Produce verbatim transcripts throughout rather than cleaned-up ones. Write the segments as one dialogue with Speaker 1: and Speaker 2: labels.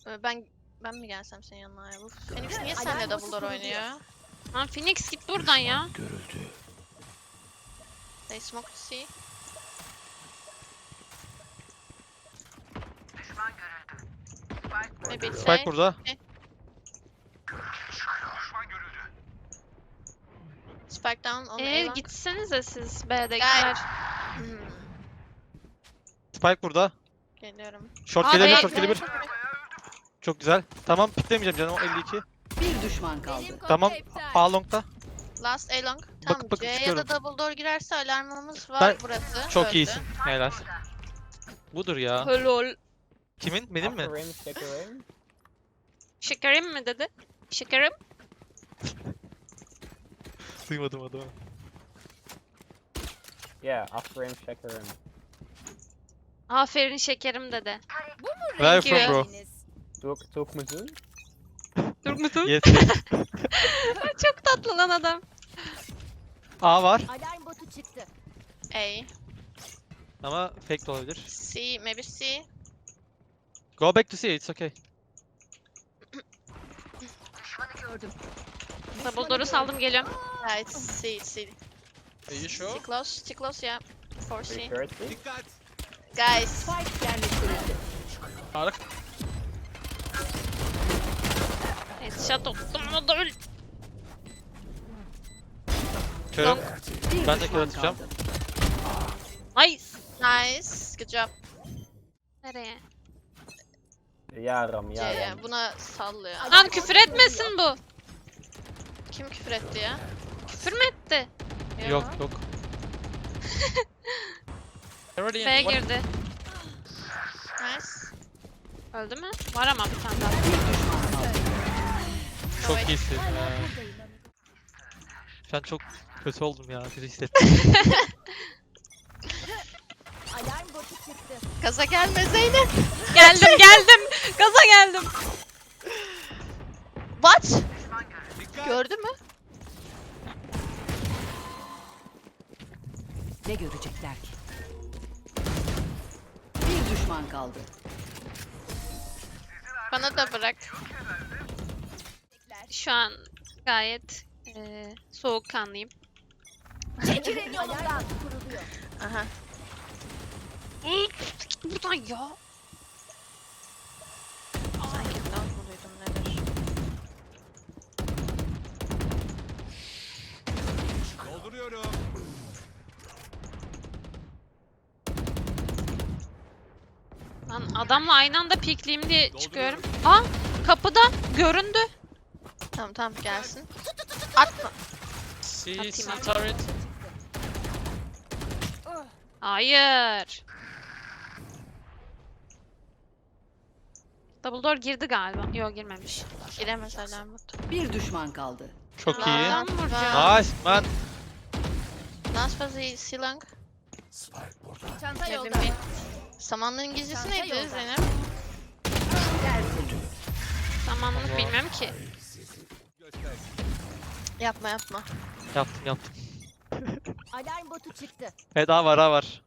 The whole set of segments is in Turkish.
Speaker 1: Ee, Ben ben mi gelsem senin yanına ya? Bu Phoenix niye seninle Dumbledore oynuyor?
Speaker 2: Lan Phoenix git buradan ya.
Speaker 3: Görüldü.
Speaker 1: They smoke to see. Maybe it's
Speaker 4: Spike
Speaker 1: A.
Speaker 4: burada.
Speaker 1: Spike down on A
Speaker 2: Eee
Speaker 1: long.
Speaker 2: gitsenize siz B'dekiler.
Speaker 1: Hmm,
Speaker 4: Spike burada.
Speaker 1: Geliyorum.
Speaker 4: Short
Speaker 2: Aa,
Speaker 4: gelebilir,
Speaker 2: be-
Speaker 4: short gelebilir. Çok güzel. Tamam, piklemeyeceğim canım. O elli iki.
Speaker 5: Bir düşman kaldı.
Speaker 4: Tamam. A long'da.
Speaker 1: Last A long. Tamam,
Speaker 4: Bakıp bakıp
Speaker 1: C'ye
Speaker 4: çıkıyorum.
Speaker 1: da Dumbledore girerse alarmımız var
Speaker 4: Ben-
Speaker 1: burası.
Speaker 4: Çok
Speaker 1: Öldü.
Speaker 4: iyisin. Helal. Budur ya.
Speaker 2: Helal.
Speaker 4: Kimin? Benim mi?
Speaker 6: After rim, stick a rim.
Speaker 2: Şekerim mi dedi? Şekerim.
Speaker 4: Duymadım adamı.
Speaker 6: Yeah, after rim, check a rim.
Speaker 2: Aferin şekerim dedi.
Speaker 4: Where are you
Speaker 2: Thank
Speaker 4: from
Speaker 2: you.
Speaker 4: bro?
Speaker 6: Took, took Mazoon.
Speaker 2: Dur musun?
Speaker 4: Yes.
Speaker 2: Çok tatlı lan adam.
Speaker 4: A var.
Speaker 5: Alarm botu çıktı.
Speaker 1: A.
Speaker 4: Ama fake de olabilir.
Speaker 1: C. Maybe C.
Speaker 4: Go back to C, it's okay.
Speaker 5: Gördüm.
Speaker 2: Dumbledore'u saldım geliyorum.
Speaker 1: Yeah, it's C. It's C.
Speaker 3: Are you
Speaker 1: C
Speaker 3: sure?
Speaker 1: close. C close, yeah. For
Speaker 6: Are you
Speaker 1: C.
Speaker 6: sure it's C?
Speaker 3: Dikkat.
Speaker 1: Guys.
Speaker 5: Spike yerleştirildi.
Speaker 4: Arık.
Speaker 2: Headshot oldum o da öl.
Speaker 4: Körüm.
Speaker 5: Bir
Speaker 4: Ben de
Speaker 5: düşman
Speaker 4: kör atacağım.
Speaker 5: kaldı.
Speaker 2: Nice.
Speaker 1: Nice. Good job.
Speaker 2: Nereye?
Speaker 6: Yeah, Ram, yeah,
Speaker 1: C'ye.
Speaker 6: Ram.
Speaker 1: Buna sallıyor.
Speaker 2: Lan küfür etmesin bu.
Speaker 1: Kim küfür etti ya?
Speaker 2: Küfür mü etti?
Speaker 4: Yok yok.
Speaker 3: Already in.
Speaker 2: B
Speaker 3: What-
Speaker 2: girdi.
Speaker 1: Nice.
Speaker 2: Öldü mü? Var ama bir tane daha.
Speaker 5: Bir düşman kaldı.
Speaker 4: Çok iyisin. ya. Şu an çok kötü oldum ya. Kötü hissettim.
Speaker 5: Alarm botu çıktı.
Speaker 1: Gaza gelme Zeynep.
Speaker 2: Geldim geldim. Gaza geldim.
Speaker 1: What?
Speaker 3: Dikkat.
Speaker 1: Gördü mü?
Speaker 5: Ne görecekler ki? Bir düşman kaldı.
Speaker 1: Bana da bırak.
Speaker 2: Şu an gayet eee soğukkanlıyım.
Speaker 5: Çekilin yolundan. Kuruluyor.
Speaker 1: Aha.
Speaker 2: Git buradan ya.
Speaker 1: Sanki dans mı duydum nedir?
Speaker 3: Dolduruyorum.
Speaker 2: Lan adamla aynı anda pikleyeyim diye çıkıyorum. Aa kapıda göründü.
Speaker 1: Tamam tamam gelsin. Atma.
Speaker 3: C,
Speaker 2: Atayım,
Speaker 3: C
Speaker 2: atayım.
Speaker 3: turret.
Speaker 2: Hayır. Dumbledore girdi galiba. Yok girmemiş.
Speaker 1: Giremez alarmut.
Speaker 5: Bir düşman kaldı.
Speaker 4: Çok iyi.
Speaker 2: Lan vuracağım.
Speaker 4: Nice man.
Speaker 1: Nasıl fazla C long?
Speaker 5: Çanta
Speaker 1: Ne bileyim. Samanlığın İngilizcesi
Speaker 5: Çanta
Speaker 1: neydi
Speaker 5: yolda.
Speaker 1: Zeynep?
Speaker 2: Zamanlık bilmiyorum ki.
Speaker 3: Göster.
Speaker 1: Yapma yapma.
Speaker 4: Yaptım yaptım.
Speaker 5: Alarm botu çıktı.
Speaker 4: Evet A var A var.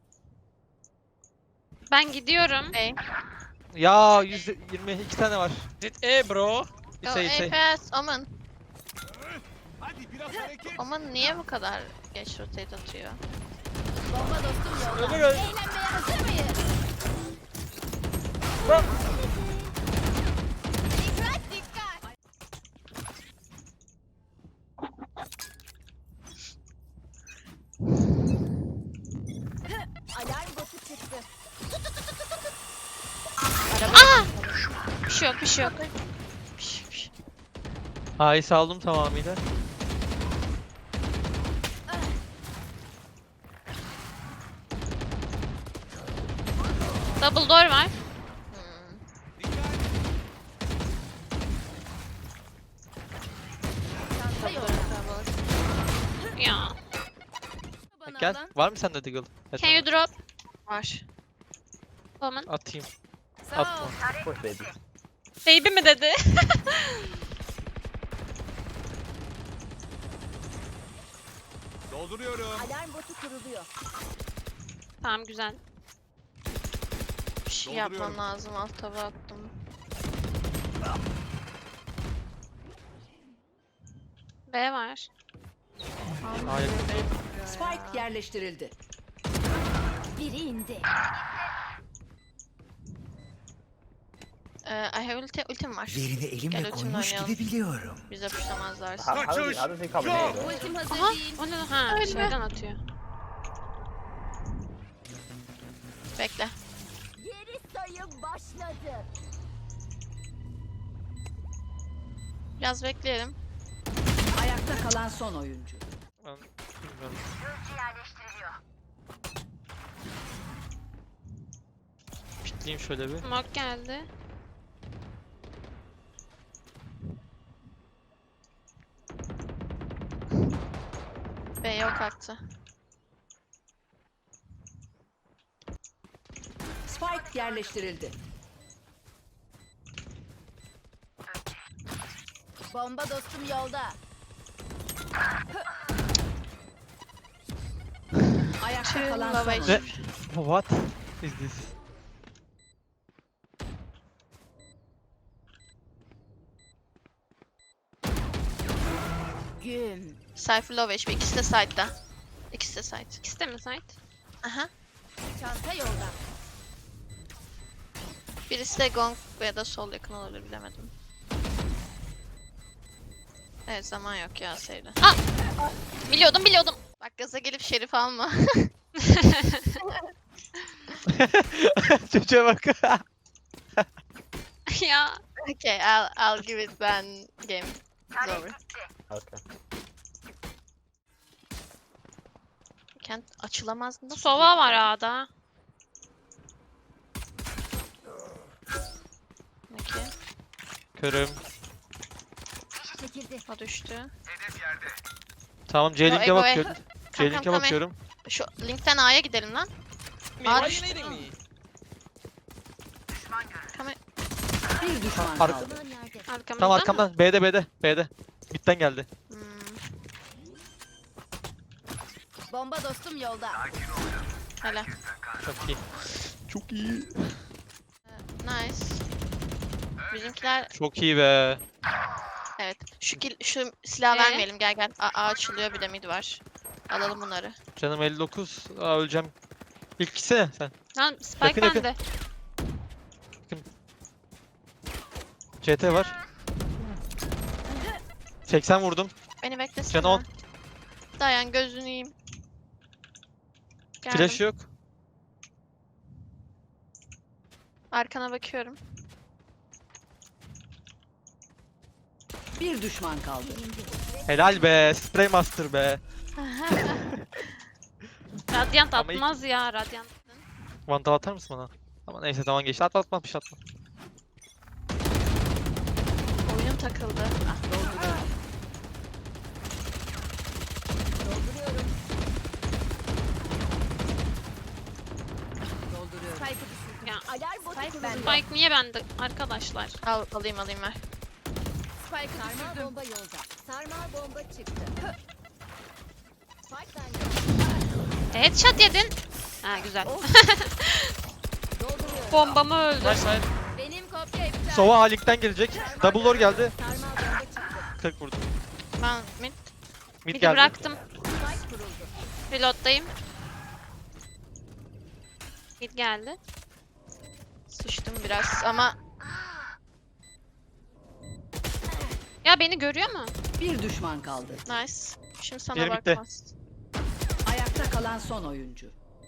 Speaker 2: Ben gidiyorum.
Speaker 1: A.
Speaker 4: Ya yüz yirmi iki tane var.
Speaker 3: Hit A bro.
Speaker 1: Go
Speaker 4: It's A, it's
Speaker 1: A
Speaker 4: A.
Speaker 1: pass. Omen.
Speaker 3: Hadi biraz hareket.
Speaker 1: Omen niye bu kadar geç rotate atıyor?
Speaker 5: Bomba dostum yolda.
Speaker 4: Öyle gel.
Speaker 5: Eğlenmeye hazır mıyız? Dikkat dikkat. Alarm botu çıktı.
Speaker 2: Aa! Bir şey yok bir şey yok.
Speaker 1: Piş, piş.
Speaker 4: A'yı saldım tamamıyla.
Speaker 2: Dumbledore var.
Speaker 1: Hmm.
Speaker 3: Dikkat.
Speaker 5: Çanta
Speaker 1: Tabii,
Speaker 5: yolda.
Speaker 1: tabii.
Speaker 2: Ya.
Speaker 4: Gel. Var mı sende Deagle? Evet,
Speaker 2: Can you drop?
Speaker 1: Var.
Speaker 2: Woman.
Speaker 4: atayım.
Speaker 5: Sağ ol.
Speaker 4: Atma.
Speaker 6: Of course, baby.
Speaker 2: Baby mi dedi?
Speaker 3: Dolduruyorum.
Speaker 5: Alarm botu kuruluyor.
Speaker 2: Tamam güzel.
Speaker 1: Bir şey
Speaker 3: Dolduruyorum.
Speaker 1: yapmam lazım. Alt taba attım.
Speaker 2: B var.
Speaker 4: Hayır.
Speaker 7: Spike yerleştirildi.
Speaker 5: Biri indi.
Speaker 1: Ee, I have ulti, ultim var.
Speaker 8: Yerini
Speaker 1: Gel
Speaker 8: elimle
Speaker 1: ultimle
Speaker 8: koymuş
Speaker 1: oynayalım.
Speaker 8: gibi biliyorum.
Speaker 1: Bize puşlamazlarsa.
Speaker 6: How, how, does, he, how does he come in here? though?
Speaker 5: Ultim hazır
Speaker 2: Aha,
Speaker 5: değil.
Speaker 2: o ne? Ha,
Speaker 1: Öyle.
Speaker 2: şeyden atıyor.
Speaker 1: Bekle.
Speaker 5: Geri sayım başladı.
Speaker 1: Biraz bekleyelim.
Speaker 7: Ayakta kalan son oyuncu.
Speaker 4: Ben bilmiyorum. Pikleyeyim şöyle bir.
Speaker 2: Smoke geldi.
Speaker 1: B yok kalktı.
Speaker 7: Spike yerleştirildi.
Speaker 5: Bomba dostum yolda.
Speaker 7: Ayakta kalan
Speaker 1: Lava
Speaker 7: son
Speaker 1: içi.
Speaker 7: oyuncu.
Speaker 4: What is this?
Speaker 5: Güm.
Speaker 1: Cypher low H P. İkisi de side'da. İkisi de side.
Speaker 2: İkisi de mi site?
Speaker 1: Aha.
Speaker 5: Çanta yolda.
Speaker 1: Birisi de gong ya da sol yakın olabilir bilemedim. Evet zaman yok ya Seyda.
Speaker 2: Biliyordum biliyordum.
Speaker 1: Bak gaza gelip şerif alma.
Speaker 4: Çocuğa bak.
Speaker 2: Ya.
Speaker 1: Okay, I'll, I'll give it then game. It's over.
Speaker 6: Okay.
Speaker 1: Kent açılamaz nasıl?
Speaker 2: Sova var A'da.
Speaker 1: Peki.
Speaker 4: Körüm.
Speaker 5: Çekildi.
Speaker 1: O düştü.
Speaker 4: Tamam
Speaker 1: Yo,
Speaker 4: C-Link'e
Speaker 1: Ego,
Speaker 4: bakıyorum.
Speaker 1: Come, come,
Speaker 4: C-Link'e
Speaker 1: come.
Speaker 4: bakıyorum.
Speaker 1: Şu linkten A'ya gidelim lan.
Speaker 3: Me,
Speaker 1: Abi
Speaker 3: why
Speaker 1: işte-
Speaker 3: you needing me?
Speaker 7: Bir düşman
Speaker 4: Arka-
Speaker 7: kaldı.
Speaker 5: Aman nerede?
Speaker 2: Arkamızda
Speaker 4: Tamam
Speaker 2: mı?
Speaker 4: arkamdan. B'de B'de. B'de. Mid'den geldi.
Speaker 1: Hmm,
Speaker 5: Bomba dostum yolda.
Speaker 1: hele.
Speaker 4: Çok iyi. Çok iyi.
Speaker 1: Nice. Bizimkiler
Speaker 4: Çok iyi be.
Speaker 1: evet. Şu kill, şu silah
Speaker 2: Ee?
Speaker 1: vermeyelim gel gel. A, A açılıyor bir de mid var. Alalım bunları.
Speaker 4: Canım elli dokuz. Aa öleceğim. İlk gitsene sen.
Speaker 2: Lan Spike
Speaker 4: Yakın, yakın.
Speaker 2: bende.
Speaker 4: C T var. seksen vurdum.
Speaker 1: Beni beklesene.
Speaker 4: Canı on.
Speaker 1: Dayan gözünü yiyeyim. Geldim.
Speaker 4: Flash yok.
Speaker 1: Arkana bakıyorum.
Speaker 7: Bir düşman kaldı.
Speaker 4: Helal be. Spray Master be.
Speaker 2: Radyant
Speaker 4: Ama ilk-
Speaker 2: atmaz ya Radyant.
Speaker 4: Vandal atar mısın bana? Ama neyse tamam geçti. Atma atma bir şey atma.
Speaker 1: Oyunum takıldı. Ah,
Speaker 7: Dolduruyorum.
Speaker 5: Spike'ı düşürdüm.
Speaker 2: Ya.
Speaker 5: Alarm botu Spike kuruldu. bende.
Speaker 2: Spike niye bende arkadaşlar?
Speaker 1: al, alayım alayım ver.
Speaker 5: Spike'ı düşürdüm. Bomba yolda. Sarmal bomba çıktı. Spike bende.
Speaker 2: Headshot yedin. Ha güzel.
Speaker 5: Dolduruyorum.
Speaker 2: Bombamı öldü.
Speaker 4: Nice side.
Speaker 5: Benim kopya iptal.
Speaker 4: Sova A-Link'ten gelecek. Double door geldi.
Speaker 5: Sarmal bomba çıktı.
Speaker 4: kırk vurdum.
Speaker 1: Ben mid.
Speaker 4: Mid
Speaker 2: Bir de
Speaker 4: geldi.
Speaker 2: bıraktım.
Speaker 5: Spike kuruldu.
Speaker 2: Reload'dayım. Mid geldi.
Speaker 1: Sıçtım biraz ama
Speaker 2: Ya beni görüyor mu?
Speaker 7: Bir düşman kaldı.
Speaker 1: nice. Şimdi sana
Speaker 4: Diğeri bitti.
Speaker 1: bakmaz.
Speaker 7: Ayakta kalan son oyuncu.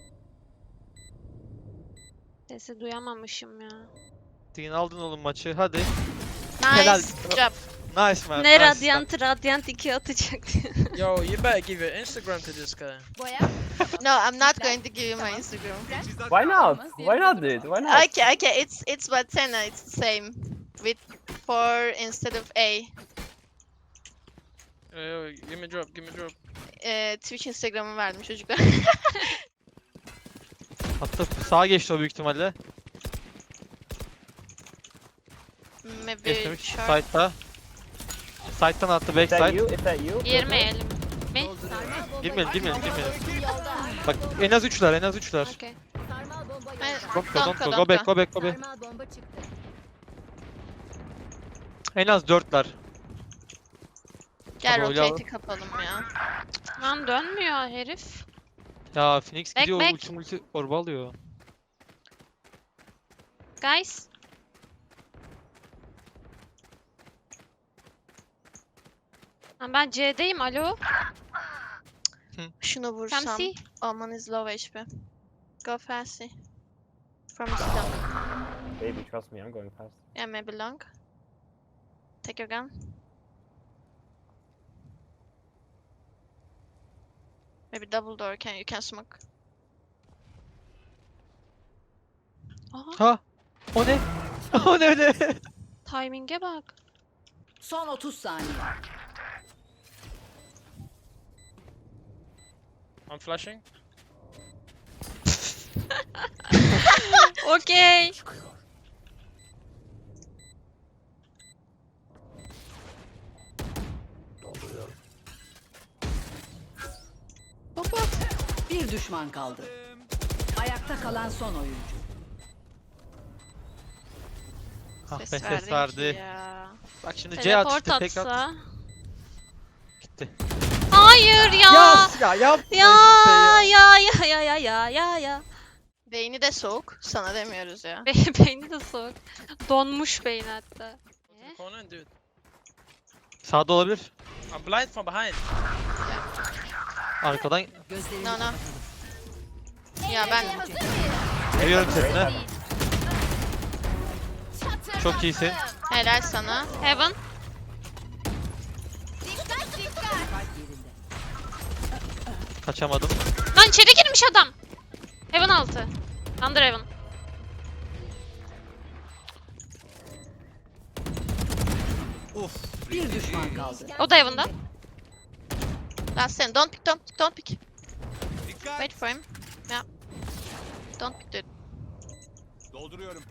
Speaker 2: Sesi duyamamışım ya.
Speaker 4: Din aldın oğlum maçı. Hadi.
Speaker 1: Nice
Speaker 4: Helal.
Speaker 1: job.
Speaker 4: Nice man.
Speaker 2: Ne
Speaker 4: nice.
Speaker 2: Radyant Radyant iki atacak.
Speaker 3: Yo, you better give your Instagram to this guy.
Speaker 5: Boya.
Speaker 1: No, I'm not going to give you my Instagram.
Speaker 6: Why not? Why not, dude? Why not?
Speaker 1: Okay, okay, it's it's Batena, it's the same. With four instead of A.
Speaker 3: Yo, yo, give me a drop, give me a drop.
Speaker 1: Ee, Twitch Instagram'ı verdim çocuklar.
Speaker 4: Hatta sağa geçti o büyük ihtimalle.
Speaker 1: Maybe
Speaker 4: Geçmemiş.
Speaker 1: short.
Speaker 4: Side'da. Side'dan attı
Speaker 6: Is that
Speaker 4: backside.
Speaker 6: you? Is that you?
Speaker 2: Girmeyelim. Mi?
Speaker 5: Sarmal bomba
Speaker 4: Girmeyelim, girmeyelim,
Speaker 5: Bomba
Speaker 4: girmeyelim.
Speaker 5: dostum yolda.
Speaker 4: Bak en az üçler en az üçler.
Speaker 2: Okey.
Speaker 5: Sarmal bomba
Speaker 1: Ben-
Speaker 5: yolda.
Speaker 4: Don't go
Speaker 1: Don't
Speaker 4: don't
Speaker 1: go,
Speaker 4: go.
Speaker 1: don't
Speaker 4: Go back
Speaker 1: go.
Speaker 4: go back go back.
Speaker 5: Sarmal bomba çıktı.
Speaker 4: En az dörtler.
Speaker 1: Gel
Speaker 4: Tabii öyle
Speaker 1: rotate'i kapalım ya.
Speaker 2: Lan dönmüyor herif.
Speaker 4: Ya Phoenix
Speaker 2: Back,
Speaker 4: gidiyor
Speaker 2: back.
Speaker 4: ulti multi orba alıyor.
Speaker 2: Guys. Lan ben C'deyim, alo.
Speaker 1: Şunu
Speaker 2: Come
Speaker 1: vursam.
Speaker 2: see.
Speaker 1: Omen is low H P. Go fast. From the stone.
Speaker 6: Baby, trust me, I'm going fast.
Speaker 1: Yeah, maybe long. Take your gun. Maybe double door. Can you can smoke?
Speaker 2: Aha,
Speaker 4: Ha? O ne? O ne öyle?
Speaker 2: timing'e bak.
Speaker 7: Son otuz saniye.
Speaker 3: I'm flashing.
Speaker 2: Okey.
Speaker 7: Bir düşman kaldı. Ayakta kalan son oyuncu.
Speaker 4: Ah be,
Speaker 1: Ses
Speaker 4: ses
Speaker 1: verdin ki
Speaker 4: verdi.
Speaker 1: ya.
Speaker 4: Bak şimdi C
Speaker 2: Teleport
Speaker 4: atıştı tek at.
Speaker 2: atsa.
Speaker 4: Gitti.
Speaker 2: Hayır ya.
Speaker 4: Ya ya yapma
Speaker 2: Ya
Speaker 4: işte ya.
Speaker 2: ya ya ya ya ya ya ya.
Speaker 1: Beyni de soğuk. Sana demiyoruz ya.
Speaker 2: Be beyni de soğuk. Donmuş beyin hatta. Ne?
Speaker 3: Corner, dude.
Speaker 4: Sağda olabilir.
Speaker 3: I'm blind from behind.
Speaker 7: Gözlerini
Speaker 4: Arkadan
Speaker 1: No no.
Speaker 7: kapatalım.
Speaker 1: Ya ben
Speaker 4: geliyorum sesine. Çok iyisin.
Speaker 1: helal sana.
Speaker 2: Heaven.
Speaker 7: Kalp yerinde.
Speaker 4: Kaçamadım.
Speaker 2: Lan içeri girmiş adam. Heaven altı. Under Heaven.
Speaker 7: Bir düşman kaldı.
Speaker 2: O da Heaven'da.
Speaker 1: Last ten. Don't pick, don't pick, don't pick. Wait for him. Yeah. Don't pick dude.
Speaker 8: Dolduruyorum.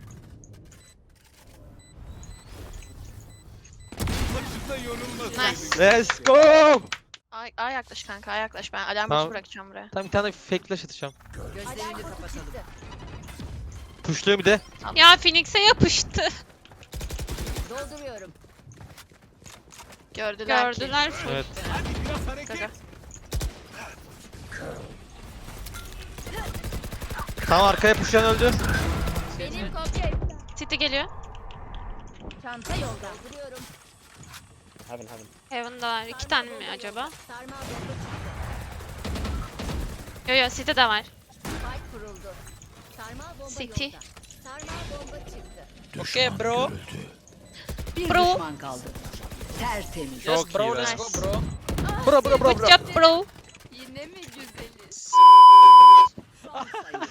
Speaker 8: Başında yorulmasın.
Speaker 1: Nice.
Speaker 4: Let's go.
Speaker 1: Ay, ay yaklaş kanka, ay yaklaş. Ben alarm
Speaker 4: Tamam.
Speaker 1: botu bırakacağım buraya.
Speaker 4: Tam bir tane fake flash atacağım.
Speaker 7: Gözlerini kapatalım.
Speaker 4: Pushluyor bir de.
Speaker 2: Ya Phoenix'e yapıştı.
Speaker 5: Dolduruyorum.
Speaker 1: Gördüler, ki.
Speaker 2: Gördüler full.
Speaker 4: Evet.
Speaker 8: Hadi biraz hareket.
Speaker 1: Gaga.
Speaker 4: Tam arkaya pushlayan öldü.
Speaker 5: Benim kopya.
Speaker 2: City geliyor.
Speaker 5: Çanta yolda. Dolduruyorum.
Speaker 6: Heaven, heaven.
Speaker 2: Heaven'da var. İki tane mi acaba?
Speaker 5: Sarmal bomba çıktı.
Speaker 2: Yo yo City de var.
Speaker 5: Spike kuruldu. Sarmal bomba
Speaker 2: City.
Speaker 5: yolda. Sarmal bomba çıktı.
Speaker 3: Okay, bro.
Speaker 7: Bir
Speaker 2: Bro.
Speaker 7: düşman kaldı. Tertemiz.
Speaker 4: Çok
Speaker 3: Yes, bro.
Speaker 4: iyi be.
Speaker 3: Let's go, bro.
Speaker 4: Bro bro bro
Speaker 2: Good
Speaker 4: bro.
Speaker 2: job bro.
Speaker 5: Yine mi güzeliz?
Speaker 7: Son sayı.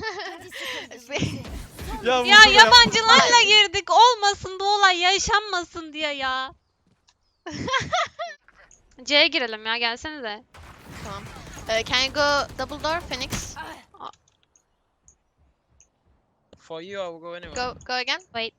Speaker 4: Ya,
Speaker 2: Ya
Speaker 4: vurdu ya.
Speaker 2: yabancılarla girdik. Olmasın bu olay yaşanmasın diye ya. C'ye girelim ya gelsenize.
Speaker 1: Tamam. Uh, can you go double door, Phoenix?
Speaker 3: For you, I will go anywhere.
Speaker 1: Go, go again.
Speaker 2: Wait.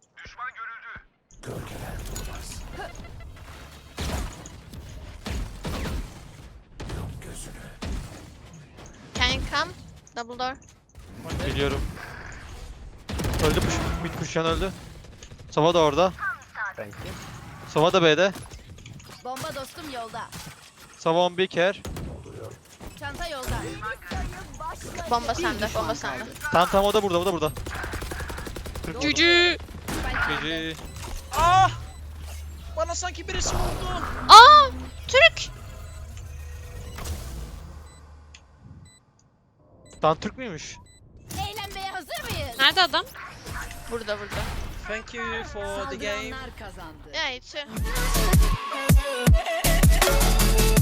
Speaker 1: Can you come? Double door.
Speaker 4: Geliyorum. Öldü push. Mid pushlayan öldü. Sova da orada.
Speaker 6: Thank you.
Speaker 4: Sova da B'de.
Speaker 5: Bomba dostum yolda.
Speaker 4: Sova on bir care.
Speaker 5: Çanta yolda.
Speaker 1: Bomba
Speaker 7: Bir
Speaker 1: sende,
Speaker 7: düşman
Speaker 1: bomba sende.
Speaker 7: kaldı.
Speaker 4: Tamam tamam o da burada o da burada.
Speaker 2: Cücü.
Speaker 4: Gece.
Speaker 3: Ah! Bana sanki birisi vurdu.
Speaker 2: Aa! Türk.
Speaker 4: Lan Türk müymüş?
Speaker 5: Eğlenmeye hazır mıyız?
Speaker 2: Nerede adam?
Speaker 1: Burada, burada.
Speaker 3: Thank you for the game.
Speaker 7: Saldıranlar kazandı.
Speaker 1: Yeah, it's you.